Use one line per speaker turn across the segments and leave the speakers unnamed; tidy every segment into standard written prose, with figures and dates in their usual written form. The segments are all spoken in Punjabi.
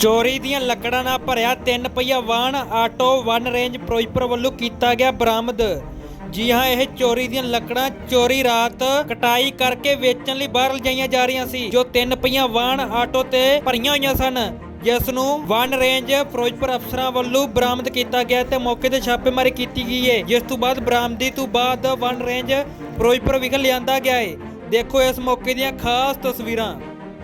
ਚੋਰੀ ਦੀਆਂ ਲੱਕੜਾਂ ਨਾਲ ਭਰਿਆ 3 ਪਹੀਆ ਵਾਹਨ ਆਟੋ ਵਨ ਰੇਂਜ ਫਿਰੋਜ਼ਪੁਰ ਵੱਲੋਂ ਕੀਤਾ ਗਿਆ ਬਰਾਮਦ। ਜੀ ਹਾਂ, ਇਹ ਚੋਰੀ ਦੀਆਂ ਲੱਕੜਾਂ ਚੋਰੀ ਰਾਤ ਕਟਾਈ ਕਰਕੇ ਵੇਚਣ ਲਈ ਬਾਹਰ ਲਿਜਾਈਆਂ ਜਾ ਰਹੀਆਂ ਸੀ, ਜੋ 3 ਪਹੀਆ ਵਾਹਨ ਆਟੋ ਤੇ ਭਰੀਆਂ ਹੋਈਆਂ ਸਨ, ਜਿਸ ਨੂੰ ਵਨ ਰੇਂਜ ਫਿਰੋਜ਼ਪੁਰ ਅਫਸਰਾਂ ਵੱਲੋਂ ਬਰਾਮਦ ਕੀਤਾ ਗਿਆ ਤੇ ਮੌਕੇ ਤੇ ਛਾਪੇਮਾਰੀ ਕੀਤੀ ਗਈ ਹੈ, ਜਿਸ ਤੋਂ ਬਾਅਦ ਬਰਾਮਦੀ ਤੋਂ ਬਾਅਦ ਵਨ ਰੇਂਜ ਫਿਰੋਜ਼ਪੁਰ ਵਿਖੇ ਲਿਆਂਦਾ ਗਿਆ ਹੈ। ਦੇਖੋ ਇਸ ਮੌਕੇ ਦੀਆਂ ਖਾਸ ਤਸਵੀਰਾਂ।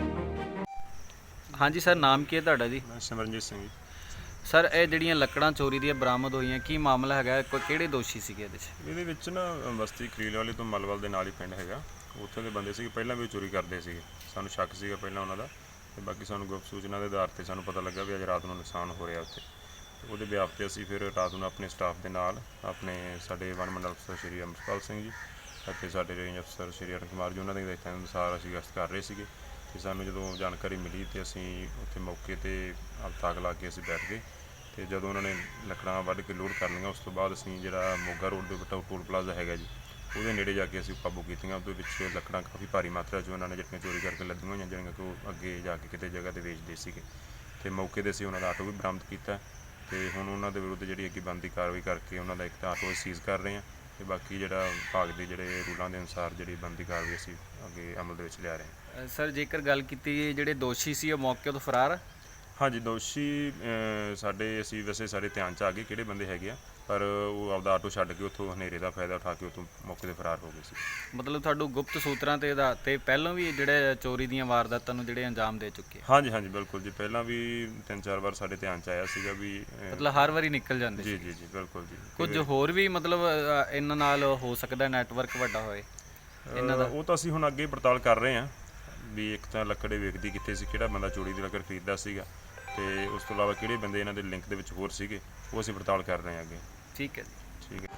ਹਾਂਜੀ ਸਰ, ਨਾਮ ਕੀ ਹੈ ਤੁਹਾਡਾ ਜੀ?
ਮੈਂ ਸਿਮਰਨਜੀਤ ਸਿੰਘ ਜੀ।
ਸਰ, ਇਹ ਜਿਹੜੀਆਂ ਲੱਕੜਾਂ ਚੋਰੀ ਦੀਆਂ ਬਰਾਮਦ ਹੋਈਆਂ, ਕੀ ਮਾਮਲਾ ਹੈਗਾ? ਕਿਹੜੇ ਦੋਸ਼ੀ ਸੀਗੇ
ਇਹਦੇ ਵਿੱਚ ਨਾ ਬਸਤੀ ਖਲੀਲ ਵਾਲੀ ਤੋਂ ਮਲਵਲ ਦੇ ਨਾਲ ਹੀ ਪਿੰਡ ਹੈਗਾ, ਉੱਥੇ ਦੇ ਬੰਦੇ ਸੀਗੇ, ਪਹਿਲਾਂ ਵੀ ਉਹ ਚੋਰੀ ਕਰਦੇ ਸੀਗੇ। ਸਾਨੂੰ ਸ਼ੱਕ ਸੀਗਾ ਪਹਿਲਾਂ ਉਹਨਾਂ ਦਾ, ਤੇ ਬਾਕੀ ਸਾਨੂੰ ਗੁਪਤ ਸੂਚਨਾ ਦੇ ਆਧਾਰ ਤੇ ਸਾਨੂੰ ਪਤਾ ਲੱਗਾ ਵੀ ਅੱਜ ਰਾਤ ਨੂੰ ਨੁਕਸਾਨ ਹੋ ਰਿਹਾ ਉੱਥੇ। ਉਹਦੇ ਬਿਆਪ ਤੇ ਅਸੀਂ ਫਿਰ ਰਾਤ ਨੂੰ ਆਪਣੇ ਸਟਾਫ ਦੇ ਨਾਲ ਸਾਡੇ ਵਨ ਮੰਡਲ ਅਫਸਰ ਸ਼੍ਰੀ ਅਮਰਪਾਲ ਸਿੰਘ ਜੀ ਅਤੇ ਸਾਡੇ ਰੇਂਜ ਅਫਸਰ ਸ਼੍ਰੀ ਅਰੁਣ ਕੁਮਾਰ ਜੀ, ਉਹਨਾਂ ਦੇ ਹਦਾਇਤਾਂ ਅਨੁਸਾਰ ਅਸੀਂ ਗਸ਼ਤ ਕਰ ਰਹੇ ਸੀਗੇ। ਤੇ ਸਾਨੂੰ ਜਦੋਂ ਜਾਣਕਾਰੀ ਮਿਲੀ ਤੇ ਅਸੀਂ ਉੱਥੇ ਮੌਕੇ ਤੇ ਤਾਕ ਲਾ ਕੇ ਅਸੀਂ ਬੈਠ ਗਏ। ਤੇ ਜਦੋਂ ਉਹਨਾਂ ਨੇ ਲੱਕੜਾਂ ਵੱਢ ਕੇ ਲੋਡ ਕਰ ਲਈਆਂ, ਉਸ ਤੋਂ ਬਾਅਦ ਅਸੀਂ ਜਿਹੜਾ ਮੋਗਾ ਰੋਡ ਦੇ ਉੱਤੇ ਟੋਲ ਪਲਾਜ਼ਾ ਹੈਗਾ ਜੀ, ਉਹਦੇ ਨੇੜੇ ਜਾ ਕੇ ਅਸੀਂ ਕਾਬੂ ਕੀਤੀਆਂ। ਉਹਦੇ ਵਿੱਚ ਲੱਕੜਾਂ ਕਾਫੀ ਭਾਰੀ ਮਾਤਰਾ 'ਚ ਉਹਨਾਂ ਨੇ ਜਿਹੜੀਆਂ ਚੋਰੀ ਕਰਕੇ ਲੱਦੀਆਂ ਹੋਈਆਂ, ਜਿਹੜੀਆਂ ਕਿ ਉਹ ਅੱਗੇ ਜਾ ਕੇ ਕਿਤੇ ਜਗ੍ਹਾ 'ਤੇ ਵੇਚਦੇ ਸੀਗੇ। ਤੇ ਮੌਕੇ 'ਤੇ ਅਸੀਂ ਉਹਨਾਂ ਦਾ ਆਟੋ ਵੀ ਬਰਾਮਦ ਕੀਤਾ ਤੇ ਹੁਣ ਉਹਨਾਂ ਦੇ ਵਿਰੁੱਧ ਜਿਹੜੀ ਅੱਗੇ ਬਣਦੀ ਕਾਰਵਾਈ ਕਰਕੇ ਉਹਨਾਂ ਦਾ ਇੱਕ ਤਾਂ ਆਟੋ ਸੀਜ਼ ਕਰ ਰਹੇ ਹਾਂ, ਤੇ ਬਾਕੀ ਜਿਹੜਾ ਵਿਭਾਗ ਦੇ ਜਿਹੜੇ ਰੂਲਾਂ ਦੇ ਅਨੁਸਾਰ ਜਿਹੜੀ ਬਣਦੀ ਕਾਰਵਾਈ ਅਸੀਂ ਅੱਗੇ ਅਮਲ ਦੇ ਵਿੱਚ ਲਿਆ ਰਹੇ ਹਾਂ।
ਸਰ, ਜੇਕਰ ਗੱਲ ਕੀਤੀ ਜਿਹੜੇ ਦੋਸ਼ੀ ਸੀ ਉਹ ਮੌਕੇ ਤੋਂ ਫਰਾਰ?
ਹਾਂਜੀ, ਦੋਸ਼ੀ ਅਸੀਂ ਵੈਸੇ ਸਾਡੇ ਧਿਆਨ 'ਚ ਆ ਗਏ ਕਿਹੜੇ ਬੰਦੇ ਹੈਗੇ ਆ, ਪਰ ਉਹ ਆਪਦਾ ਆਟੋ ਛੱਡ ਕੇ ਉੱਥੋਂ ਹਨੇਰੇ ਦਾ ਫਾਇਦਾ ਉਠਾ ਕੇ ਉੱਥੋਂ ਮੌਕੇ 'ਤੇ ਫਰਾਰ ਹੋ ਗਏ ਸੀ।
ਮਤਲਬ ਤੁਹਾਨੂੰ ਗੁਪਤ ਸੂਤਰਾਂ ਤੇ ਆਧਾਰ ਤੇ ਪਹਿਲਾਂ ਵੀ ਜਿਹੜੇ ਚੋਰੀ ਦੀਆਂ ਵਾਰਦਾਤਾਂ ਨੂੰ ਜਿਹੜੇ ਅੰਜਾਮ ਦੇ ਚੁੱਕੇ?
ਹਾਂਜੀ ਹਾਂਜੀ, ਬਿਲਕੁਲ ਜੀ, ਪਹਿਲਾਂ ਵੀ 3-4 ਵਾਰ ਸਾਡੇ ਧਿਆਨ 'ਚ ਆਇਆ ਸੀਗਾ ਵੀ
ਮਤਲਬ ਹਰ ਵਾਰੀ ਨਿਕਲ ਜਾਂਦੇ
ਜੀ ਜੀ ਜੀ, ਬਿਲਕੁਲ ਜੀ।
ਕੁਝ ਹੋਰ ਵੀ ਮਤਲਬ ਇਹਨਾਂ ਨਾਲ ਹੋ ਸਕਦਾ ਨੈਟਵਰਕ ਵੱਡਾ ਹੋਏ ਇਹਨਾਂ ਦਾ?
ਉਹ ਤਾਂ ਅਸੀਂ ਹੁਣ ਅੱਗੇ ਪੜਤਾਲ ਕਰ ਰਹੇ ਹਾਂ ਵੀ ਇੱਕ ਤਾਂ ਲੱਕੜੇ ਵੇਚਦੀ ਕਿੱਥੇ ਸੀ, ਕਿਹੜਾ ਬੰਦਾ ਚੋਰੀ ਦੀ ਲੱਕੜ ਖਰੀਦਦਾ ਸੀਗਾ, ਤੇ ਉਸ ਤੋਂ ਇਲਾਵਾ ਕਿਹੜੇ ਬੰਦੇ ਇਹਨਾਂ ਦੇ ਲਿੰਕ ਦੇ ਵਿੱਚ ਹੋਰ ਸੀਗੇ, ਉਹ ਅਸੀਂ ਪੜਤਾਲ ਕਰ ਰਹੇ ਹਾਂ ਅੱਗੇ।
ਠੀਕ ਹੈ ਜੀ,
ਠੀਕ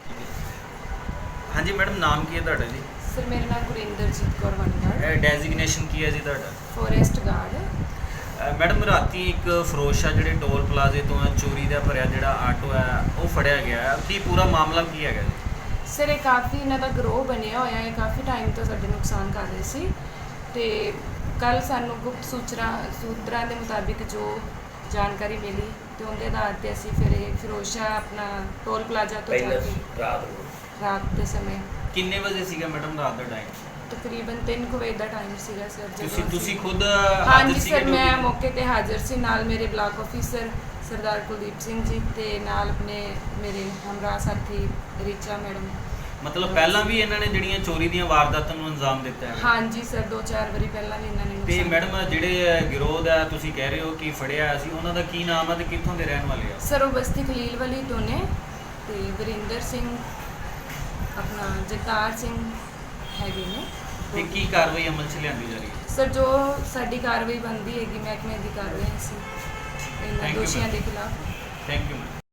ਹੈ।
ਹਾਂਜੀ ਮੈਡਮ, ਨਾਮ ਕੀ ਹੈ ਤੁਹਾਡਾ ਜੀ?
ਸਰ, ਮੇਰਾ ਨਾਮ ਗੁਰਿੰਦਰਜੀਤ ਕੌਰ ਵਨਗਾਰਡ।
ਡੈਜ਼ਿਗਨੇਸ਼ਨ ਕੀ ਹੈ ਜੀ ਤੁਹਾਡਾ?
Forest guard.
ਮੈਡਮ, ਰਾਤੀ ਇੱਕ ਫਰੋਸ਼ਾ ਜਿਹੜੇ ਟੋਲ ਪਲਾਜ਼ੇ ਤੋਂ ਚੋਰੀ ਦਾ ਭਰਿਆ ਜਿਹੜਾ ਆਟੋ ਹੈ ਉਹ ਫੜਿਆ ਗਿਆ ਹੈ, ਕੀ ਪੂਰਾ ਮਾਮਲਾ ਕੀ ਹੈਗਾ ਜੀ?
ਸਰ, ਇਹ ਕਾਫੀ ਇਹਨਾਂ ਦਾ ਗਰੋਹ ਬਣਿਆ ਹੋਇਆ ਹੈ, ਕਾਫੀ ਟਾਈਮ ਤੋਂ ਸਾਡੇ ਨੁਕਸਾਨ ਕਰ ਰਹੇ ਸੀ, ਤੇ ਕੱਲ ਸਾਨੂੰ ਗੁਪਤ ਸੂਤਰਾਂ ਦੇ ਮੁਤਾਬਿਕ ਜੋ ਜਾਣਕਾਰੀ ਮਿਲੀ ਤੇ ਉਹਦੇ ਆਧਾਰ ਤੇ ਅਸੀਂ ਫਿਰ ਇਹ ਫਿਰੋਸ਼ਾ ਆਪਣਾ ਟੋਲ ਪਲਾਜ਼ਾ ਤੋਂ ਜਾ ਕੇ ਰਾਤ ਦੇ ਸਮੇਂ।
ਕਿੰਨੇ ਵਜੇ ਸੀਗਾ ਮੈਡਮ ਰਾਤ ਦਾ ਟਾਈਮ?
ਤਕਰੀਬਨ 3 ਵਜੇ ਦਾ ਟਾਈਮ ਸੀਗਾ ਸਰ। ਜਦੋਂ
ਤੁਸੀਂ ਖੁਦ
ਹਾਂਜੀ ਸਰ, ਮੈਂ ਮੌਕੇ ਤੇ ਹਾਜ਼ਰ ਸੀ, ਨਾਲ ਮੇਰੇ ਬਲਾਕ ਆਫੀਸਰ ਸਰਦਾਰ ਕੁਲਦੀਪ ਸਿੰਘ ਜੀ ਤੇ ਨਾਲ ਮੇਰੇ ਹਮਰਾਹ ਸਾਥੀ ਰੀਚਾ ਮੈਡਮ।
ਮਤਲਬ ਪਹਿਲਾਂ ਵੀ ਇਹਨਾਂ ਨੇ ਜਿਹੜੀਆਂ ਚੋਰੀ ਦੀਆਂ ਵਾਰਦਾਤਾਂ ਨੂੰ ਅੰਜਾਮ ਦਿੱਤਾ ਹੈ?
ਹਾਂਜੀ ਸਰ, 2-4 ਵਾਰੀ ਪਹਿਲਾਂ ਵੀ ਇਹਨਾਂ ਨੇ
ਤੇ ਮੈਡਮ, ਜਿਹੜੇ ਗਿਰੋਹ ਦਾ ਤੁਸੀਂ ਕਹਿ ਰਹੇ ਹੋ ਕਿ ਫੜਿਆ ਸੀ, ਉਹਨਾਂ ਦਾ ਕੀ ਨਾਮ ਹੈ ਤੇ ਕਿੱਥੋਂ ਦੇ ਰਹਿਣ ਵਾਲੇ ਆ?
ਸਰ, ਉਹ ਬਸਤੀ ਖਲੀਲ ਵਾਲੀ ਤੋਂ ਨੇ, ਤੇ ਵਰਿੰਦਰ ਸਿੰਘ ਜਗਤਾਰ ਸਿੰਘ ਹੈਗੇ ਨੇ।
ਤੇ ਕੀ ਕਾਰਵਾਈ ਅਮਲ 'ਚ ਲਿਆਂਦੀ ਜਾ ਰਹੀ ਹੈ?
ਸਰ, ਜੋ ਸਾਡੀ ਕਾਰਵਾਈ ਬਣਦੀ ਹੈਗੀ ਮਹਿਕਮੇ ਦੀ ਕਾਰਵਾਈ ਸੀ ਇਹਨਾਂ ਦੋਸ਼ੀਆਂ ਦੇ ਖਿਲਾਫ।
Thank you.